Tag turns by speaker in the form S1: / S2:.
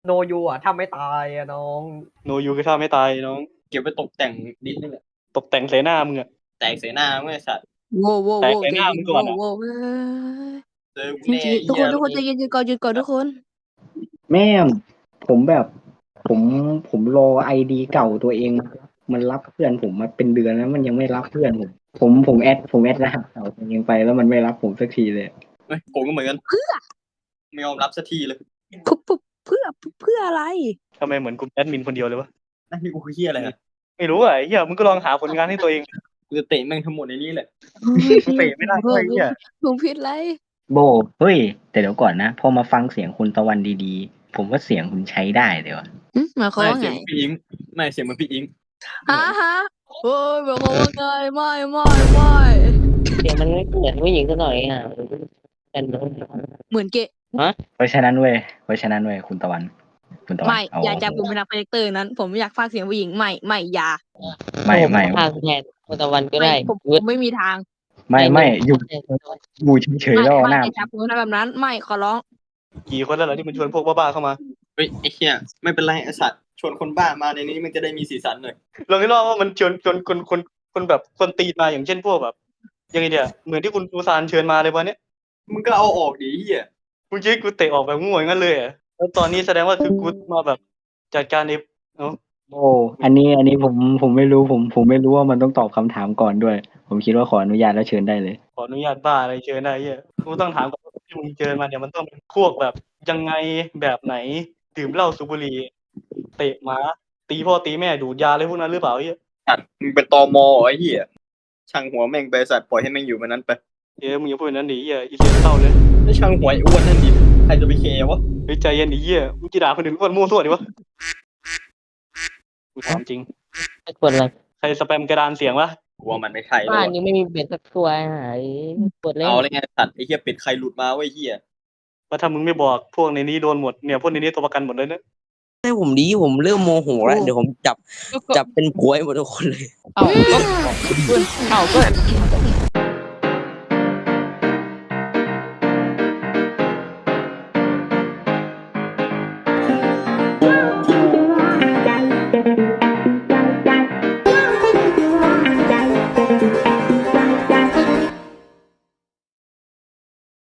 S1: โนยูอ่ะถ้าไม่ตายอ่ะน้อง
S2: โนยูคือท่าไม่ตายน้อง
S3: เก็บไปตกแต่งดิสนี่แหละ
S2: ตกแต่งใส่หน้ามึงอะ
S3: แตกใส่หน้าไม่สัตว์
S4: โว้โว้โว้
S2: แตกใส่
S4: ใจ
S2: หน้า
S4: เย็
S2: มึ
S4: น
S2: งก่อนอะ
S4: โว้โว้
S3: เจอกู
S4: จริง
S3: แน่
S4: ๆทุกคนทุกคนใจเย็นก่อนหยุดก่อนทุกคน
S5: แม่งผมแบบผมผมรอไอดีเก่าตัวเอง มันรับเพื่อนผมมาเป็นเดือนแล้วมันยังไม่รับเพื่อนผมแอดรหัสเก่าตัวเองไปแล้วมันไม่รับผมสักทีเลย
S3: เฮ้ยผมก็เหมือนกันไม่ยอมรับสักทีเลย
S4: เพื่ออะไร
S2: ทำไมเหมือนกูแอดมินคนเดียวเลยวะ
S3: นั่นนี่กูคือเฮียอะไรนะ
S2: ไม่รู้อ่ะไอ้เหี้ยมึงก็ลองหาผลงานให้ตัวเอง
S3: กูจะเตะแม่งทั้งหมดในนี้แหละ
S2: มึงเตะไม่ได้ด้วยไอ้เหี้ย
S4: ผมผิดอะไร
S5: โบเฮ้ยแต่เดี๋ยวก่อนนะพอมาฟังเสียงคุณตะวันดีๆ ผมว่าเสียงคุณใช้ได้เลยวะ
S4: หมายความ
S3: ไม่
S4: ว่า
S3: เสี
S4: ไง
S3: ยงพี่อิงไม่เสียงเหมือนพี่อิง
S4: ฮะโอ้ยหมายความว่าไงไม่
S6: เสียงมันไม่เหมือนผู้หญิงสักหน่อยอ่ะแต่น้อง
S4: เหมือนเกะ
S5: เพราะฉะนั้นเว้ยคุณตะวัน
S4: ไม่
S5: เอา
S4: อย่าจับผมเป็นนักโปรเจคเตอร์นั้น ผมไม่อยากฟังเสียงผู้หญิงไม่อย่า
S5: ไม่
S6: ทางแทนคนตะวันก็
S4: ไม่
S6: ได้
S4: ผมไม่มีทาง
S5: ไม่อยู่เฉยๆแล้วเอาหน้า
S4: อย่าจับผมแบบนั้นไม่ขอร้อง
S2: กี่คนแล้วเหรอที่มันชวนพวกบ้าๆเข้ามา
S3: เฮ้ยไอ้เฮียไม่เป็นไรไอ้สัตว์ชวนคนบ้ามาในนี้มันจะได้มีสีสันหน่อย
S2: ลองคิดว่ามันชวนคนแบบคนตีมาอย่างเช่นพวกแบบยังไงเนี่ยเหมือนที่คุณซูซานเชิญมาเลยวันเนี้ย
S3: มึงก็เอาออกดิเฮีย
S2: มึงคิดกูเตะออกแบบง่วยงั้นเลยอ่ะแล้วตอนนี้แสดงว่าคือกูมาแบบจัดการในเอ้า
S5: โอ้อันนี้ผมไม่รู้ผมไม่รู้ว่ามันต้องตอบคำถามก่อนด้วย ผมคิดว่าขออนุญาตแล้วเชิญได้เลย
S2: ขออนุญาตบ้าอะไรเชิญได้เหี้ยกูต้องถามก่อนว่าที่มึงเชิญมาเนี่ยมันต้องเป็นพวกแบบยังไงแบบไหนดื่มเหล้าสูบบุหรี่เตะหมาตีพ่อตีแม่ดูดยาอะไรพวกนั้นหรือเปล่าเหี้ย
S3: สัตว์มึงเป็นตมไอ้เฮียช่างหัวแม่งไปสัตว์ปล่อยให้แม่งอยู่มันนั้นไป
S2: เดี๋ยวมึงอย่าพูดอย่างนั้นดิเหี้ยอีเสียเศร้าเลย
S3: ไม่ช่างหัวไอ้อ้วนนั่นดิใครจะไปเคร์วะ
S2: เฮ้ยใจเย็นดิเหี้ยมึงจะด่าคนอื่นคนมั่วซั่วดิวะกูถามจริง
S6: ไม่ควรอะไร
S2: ใครสแปมกระดานเสียงวะ
S3: กูว่ามันไม่ใช่แล้ว
S6: บ้าน
S3: วะ
S6: นี้ไม่มีเบ็ดสักตัวหายปวดเล่น
S3: เอาเลยไงสัตว์ไอ้เฮียเป็ดใครหลุดมาไว้เฮีย
S2: ว่าถ้ามึงไม่บอกพวกในนี้โดนหมดเนี่ยพวกในนี้ตัวประกันหมดเลยนะ
S7: ให้ผมดีผมเริ่มโมโหแล้วเดี๋ยวผมจับเป็นผัวให้หมดทุกคนเลย
S6: เอาก็